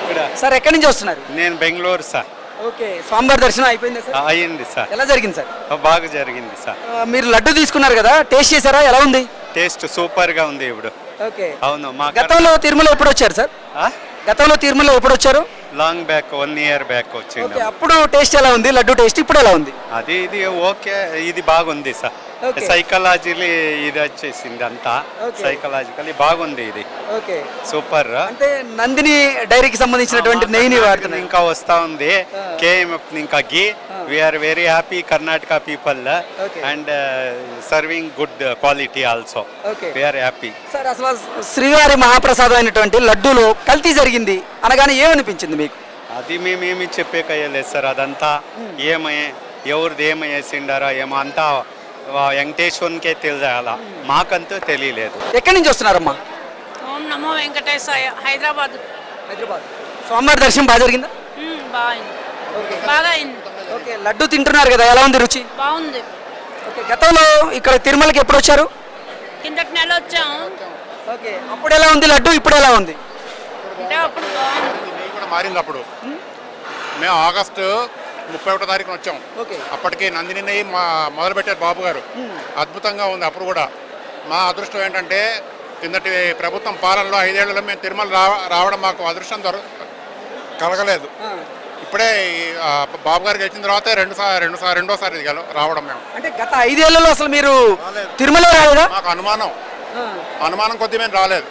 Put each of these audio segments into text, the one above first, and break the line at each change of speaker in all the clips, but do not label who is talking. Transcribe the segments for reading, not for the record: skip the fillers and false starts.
ఇక్కడ
సార్ ఎక్కడి నుంచి వస్తున్నారు?
నేను బెంగళూరు సార్.
ఓకే, స్వామివారి దర్శనం అయిపోయిందా సార్?
అయ్యింది సార్.
ఎలా జరిగింది సార్?
బాగా జరిగింది సార్.
మీరు లడ్డు తీసుకున్నారు కదా, టేస్ట్ చేశారా? ఎలా ఉంది?
టేస్ట్ సూపర్ గా ఉంది ఇప్పుడు.
ఓకే,
అవును. మా
గతంలో తిరుమల ఎప్పుడు వచ్చారు సార్? గతంలో తిరుమల ఎప్పుడు వచ్చారు?
లాంగ్ బ్యాక్ 1 year బ్యాక్ వచ్చింది.
ఓకే, అప్పుడు టేస్ట్ ఎలా ఉంది? లడ్డు టేస్ట్ ఇప్పుడు ఎలా ఉంది?
అది ఇది ఓకే, ఇది బాగుంది సార్.
ఓకే.
సైకలాజికలీ ఇది వచ్చేసింది అంతా.
ఓకే.
సైకలాజికలీ బాగుంది ఇది.
Okay,
super.
అంటే నందిని డైరీకి సంబంధించినటువంటి నెయ్యిని వాడుతున్నాయి.
ఇంకా వస్తా ఉంది కేఎంఎఫ్ ఇంకా ghee. We're very happy Karnataka people
Okay.
And serving good quality also.
Okay.
We're happy.
Sir అసలు శ్రీవారి మహాప్రసాదం అయినటువంటి లడ్డూలో కల్తీ జరిగింది అనగానే ఏమనిపించింది మీకు?
అది మేమేమి చెప్పేకయ్యలేదు సార్. అదంతా ఎవరిది ఏమేసిండారా ఏమో అంతా వెంకటేశ్వరునికే తెలియాల, మాకంతా తెలియలేదు.
ఎక్కడి నుంచి వస్తున్నారమ్మా?
ఓం నమో వెంకటేశాయ. హైదరాబాద్.
హైదరాబాద్. స్వామివారి దర్శనం బాగా జరిగిందా?
బాగా అయింది.
ఓకే, లడ్డు తింటున్నారు కదా, ఎలా ఉంది రుచి?
బాగుంది.
ఓకే, గతంలో ఇక్కడ తిరుమలకి ఎప్పుడు వచ్చారు?
కిందటి నెల వచ్చాము.
ఓకే, అప్పుడు ఎలా ఉంది లడ్డు, ఇప్పుడు ఎలా ఉంది?
అంటే అప్పుడు బాగుంది.
నెయ్యి కూడా మారింది. అప్పుడు మేము ఆగస్టు 31వ తారీఖున వచ్చాం.
ఓకే.
అప్పటికి నందిని నెయ్యి మొదలుపెట్టారు బాబు గారు. అద్భుతంగా ఉంది అప్పుడు కూడా. మా అదృష్టం ఏంటంటే కిందటి ప్రభుత్వం పాలనలో 5 ఏళ్లలో మేము తిరుమల రావడం మాకు అదృష్టం కలగలేదు. ఇప్పుడే బాబు గారు గెలిచిన తర్వాత రెండోసారి ఇది రావడం మేము.
అంటే గత 5 ఏళ్లలో అసలు మీరు తిరుమల రాలేదా?
మాకు అనుమానం కొద్ది మేము రాలేదు.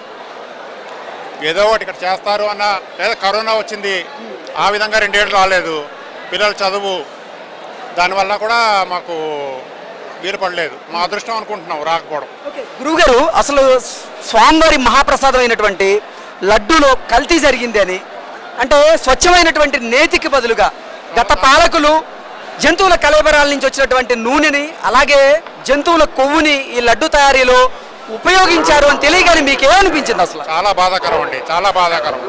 ఏదో ఒకటి ఇక్కడ చేస్తారు అన్న, లేదా కరోనా వచ్చింది ఆ విధంగా 2 ఏళ్ళు రాలేదు. పిల్లల చదువు దానివల్ల కూడా మాకు వీలు పడలేదు. మా అదృష్టం అనుకుంటున్నాం రాకపోవడం.
గురువుగారు, అసలు స్వామివారి మహాప్రసాదం అయినటువంటి లడ్డూలో కల్తీ జరిగింది అని అంటే స్వచ్ఛమైనటువంటి నేతికి బదులుగా గత పాలకులు జంతువుల కళేబరాల నుంచి వచ్చినటువంటి నూనెని అలాగే జంతువుల కొవ్వుని ఈ లడ్డు తయారీలో ఉపయోగించారు అని తెలియగానే మీకు ఏమనిపించింది? అసలు
చాలా బాధాకరం అండి, చాలా బాధాకరం.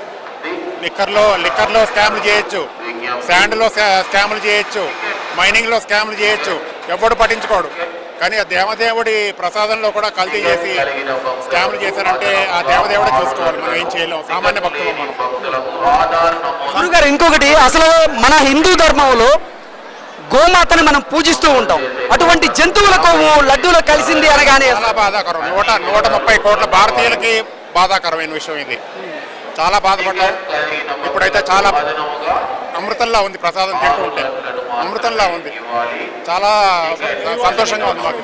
లిక్కర్లో స్కామ్లు చేయొచ్చు, శాండ్లో స్కామ్లు చేయొచ్చు, మైనింగ్లో స్కామ్లు చేయొచ్చు, ఎవడు పట్టించుకోడు. కానీ ఆ దేవదేవుడి ప్రసాదంలో కూడా కల్తీ చేసి స్కామ్లు చేశారంటే ఆ దేవదేవుడే చూసుకోవాలి. మనం ఏం చేయలేం, సామాన్య భక్తులు మనం.
గురుగారు, ఇంకొకటి, అసలు మన హిందూ ధర్మంలో గోమాతని మనం పూజిస్తూ ఉంటాం. అటువంటి జంతువుల కొవ్వు లడ్డూలో కలిసింది అనగానే
చాలా బాధాకరం. 130 కోట్ల భారతీయులకి బాధాకరమైన విషయం ఇది. చాలా బాధపడ్డాం. ఇప్పుడైతే చాలా అమృతంలా ఉంది, ప్రసాదం తింటూ ఉంటే అమృతంలా ఉంది. చాలా సంతోషంగా ఉంది మాకు.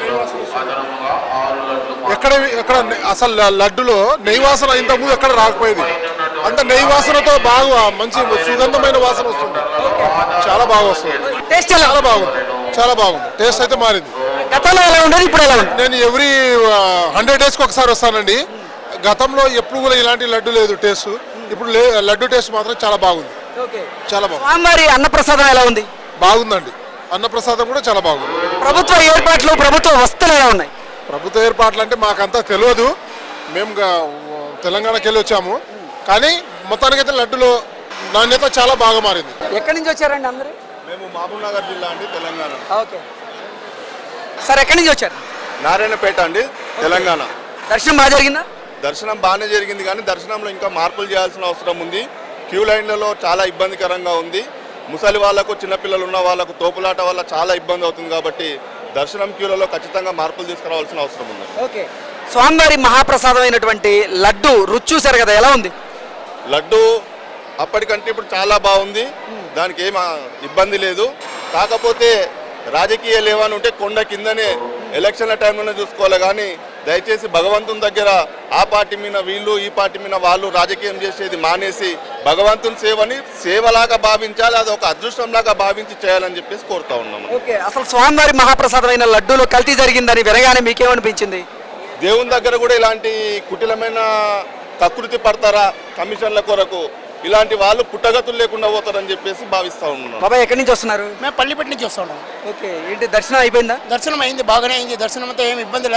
ఎక్కడ అసలు లడ్డులో నెయ్యి వాసన ఇంతకుముందు ఎక్కడ రాకపోయేది. అంత నెయ్యి వాసనతో బాగా మంచి సుగంధమైన వాసన వస్తుంది. చాలా బాగా వస్తుంది.
టేస్ట్
చాలా బాగుంది, చాలా బాగుంది. టేస్ట్ అయితే మారింది.
గతంలో ఎలా ఉండేది, ఇప్పుడు ఎలా ఉంది?
నేను ఎవ్రీ 100 daysకి ఒకసారి వస్తానండి. గతంలో ఎప్పుడు కూడా ఇలాంటి లడ్డు లేదు టేస్ట్. ఇప్పుడు లడ్డు టేస్ట్ మాత్రం చాలా బాగుంది, చాలా బాగుంది.
స్వామివారి అన్నప్రసాదం ఎలా ఉంది?
బాగుందండి. అన్నప్రసాదం కూడా చాలా బాగుంది.
ప్రభుత్వ ఏర్పాట్లు, ప్రభుత్వ వసతులు ఎలా ఉన్నాయి?
ప్రభుత్వ ఏర్పాట్లు అంటే మాకంతా తెలియదు. మేము తెలంగాణకి వెళ్ళి వచ్చాము. కానీ మొత్తానికైతే లడ్డులో నాణ్యత చాలా బాగా మారింది.
ఎక్కడి నుంచి వచ్చారండి అందరూ?
మేము మహబూబ్ నగర్ జిల్లా అండి, తెలంగాణ.
ఓకే సార్, ఎక్కడి నుంచి వచ్చారు?
నారాయణపేట అండి, తెలంగాణ.
దర్శనం బాగా జరిగిందా?
దర్శనం బాగానే జరిగింది, కానీ దర్శనంలో ఇంకా మార్పులు చేయాల్సిన అవసరం ఉంది. క్యూ లైన్లలో చాలా ఇబ్బందికరంగా ఉంది. ముసలి వాళ్లకు, చిన్నపిల్లలు ఉన్న వాళ్ళకు తోపులాట వల్ల చాలా ఇబ్బంది అవుతుంది. కాబట్టి దర్శనం క్యూలలో ఖచ్చితంగా మార్పులు తీసుకురావాల్సిన అవసరం ఉంది.
ఓకే, స్వామివారి మహాప్రసాదం అయినటువంటి లడ్డు రుచి చూశారు కదా, ఎలా ఉంది?
లడ్డు అప్పటికంటే ఇప్పుడు చాలా బాగుంది. దానికి ఏం ఇబ్బంది లేదు. కాకపోతే రాజకీయాలు ఏమైనా ఉంటే కొండ కిందనే ఎలక్షన్ల టైంలోనే చూసుకోవాలి. కానీ దయచేసి భగవంతుని దగ్గర ఆ పార్టీ మీద వీళ్ళు, ఈ పార్టీ మీద వాళ్ళు రాజకీయం చేసేది మానేసి భగవంతుని సేవని సేవలాగా భావించాలి. అది ఒక అదృష్టంలాగా భావించి చేయాలని చెప్పేసి కోరుతా ఉన్నాము.
ఓకే, అసలు స్వామివారి మహాప్రసాదం అయిన లడ్డూలో కల్తీ జరిగిందని వినగానే మీకేమనిపించింది?
దేవుని దగ్గర కూడా ఇలాంటి కుటిలమైన కకృతి పడతారా కమిషన్ల కొరకు? ఇలాంటి వాళ్ళు పుట్టగతులు లేకుండా పోతారని చెప్పేసి భావిస్తా ఉన్నాం.
బాబాయ్, ఎక్కడి నుంచి వస్తున్నారు?
మేము పల్లిపట్టి నుంచి వస్తున్నాం.
ఓకే, ఏంటి దర్శనం అయిపోయిందా?
దర్శనం అయింది, బాగానే అయింది. దర్శనం అంతా ఏమి ఇబ్బందిలే.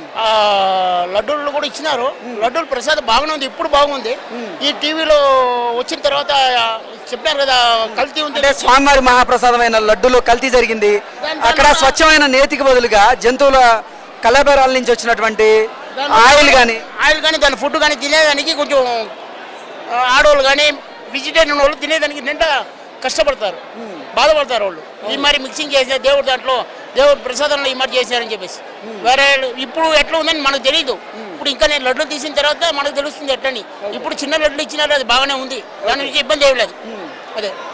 లడ్డూలు కూడా ఇచ్చినారు. లడ్డూలు ప్రసాదం బాగానే ఉంది, ఇప్పుడు బాగుంది. ఈ టీవీలో వచ్చిన తర్వాత చెప్పినారు కదా కల్తీ ఉంది.
అంటే స్వామివారి మహాప్రసాదమైన లడ్డూలో కల్తీ జరిగింది. అక్కడ స్వచ్ఛమైన నేతికి బదులుగా జంతువుల కళేబరాల నుంచి వచ్చినటువంటి ఆయిల్ కానీ
దాని ఫుడ్ కానీ తినేదానికి కొంచెం ఆడవాళ్ళు కానీ వెజిటేరియన్ వాళ్ళు తినేదానికి నిండా కష్టపడతారు, బాధపడతారు వాళ్ళు. ఈ మరి మిక్సింగ్ చేసిన దేవుడు దాంట్లో దేవుడు ప్రసాదంలో ఈ మరి చేశారని చెప్పేసి. వేరే ఇప్పుడు ఎట్లా ఉందని మనకు తెలియదు. ఇప్పుడు ఇంకా నేను లడ్లు తీసిన తర్వాత మనకు తెలుస్తుంది ఎట్లని. ఇప్పుడు చిన్న లడ్లు ఇచ్చినారు, అది బాగానే ఉంది, దాని నుంచి ఇబ్బంది ఏమి లేదు. అదే